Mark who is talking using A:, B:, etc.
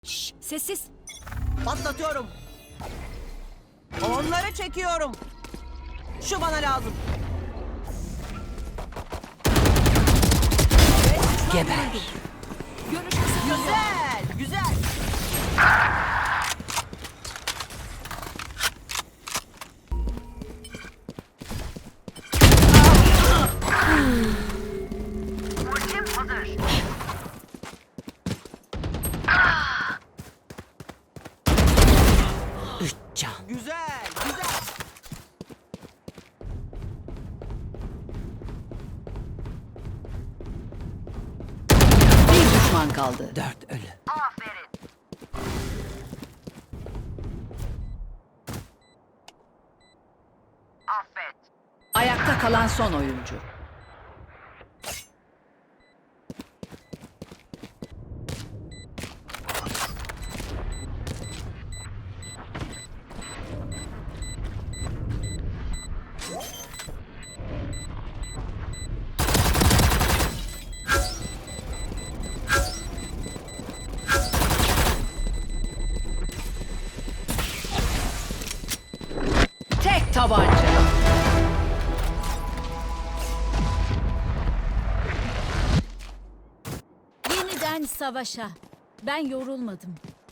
A: Şşş, sessiz.
B: Patlatıyorum. Onları çekiyorum. Şu bana lazım.
A: Geber. Görüş kısıtlanıyor.
B: Güzel, güzel.
C: Ultim hazır.
A: Üç can.
B: Güzel, güzel.
A: Bir düşman kaldı. 4 ölü.
C: Aferin. Affet.
A: Ayakta kalan son oyuncu. Tek tabanca.
D: Yeniden savaşa. Ben yorulmadım.